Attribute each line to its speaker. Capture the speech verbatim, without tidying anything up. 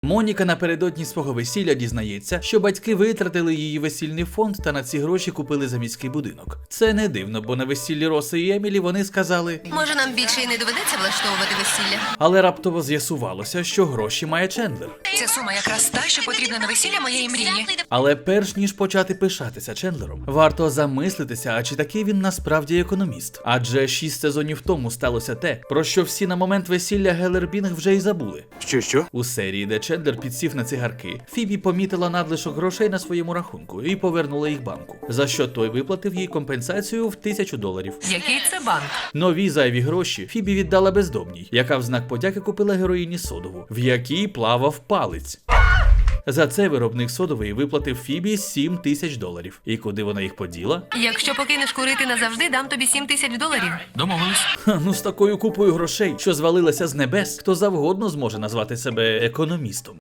Speaker 1: Моніка напередодні свого весілля дізнається, що батьки витратили її весільний фонд та на ці гроші купили заміський будинок. Це не дивно, бо на весіллі Роси і Емілі вони сказали:
Speaker 2: може, нам більше і не доведеться влаштовувати весілля?
Speaker 1: Але раптово з'ясувалося, що гроші має Чендлер.
Speaker 2: Ця сума якраз та, що потрібна на весілля моєї мрії.
Speaker 1: Але перш ніж почати пишатися Чендлером, варто замислитися, а чи такий він насправді економіст. Адже шість сезонів тому сталося те, про що всі на момент весілля Геллербінг вже й забули.
Speaker 3: Що що?
Speaker 1: У серії, де Чендлер підсів на цигарки, Фібі помітила надлишок грошей на своєму рахунку і повернула їх банку, за що той виплатив їй компенсацію в тисячу доларів.
Speaker 2: Який це банк?
Speaker 1: Нові зайві гроші Фібі віддала бездомній, яка в знак подяки купила героїні содову, в якій плавав палець. За це виробник содової виплатив Фібі сім тисяч доларів. І куди вона їх поділа?
Speaker 2: Якщо покинеш курити назавжди, дам тобі сім тисяч доларів.
Speaker 3: Домовились.
Speaker 1: Ха, ну з такою купою грошей, що звалилася з небес, хто завгодно зможе назвати себе економістом.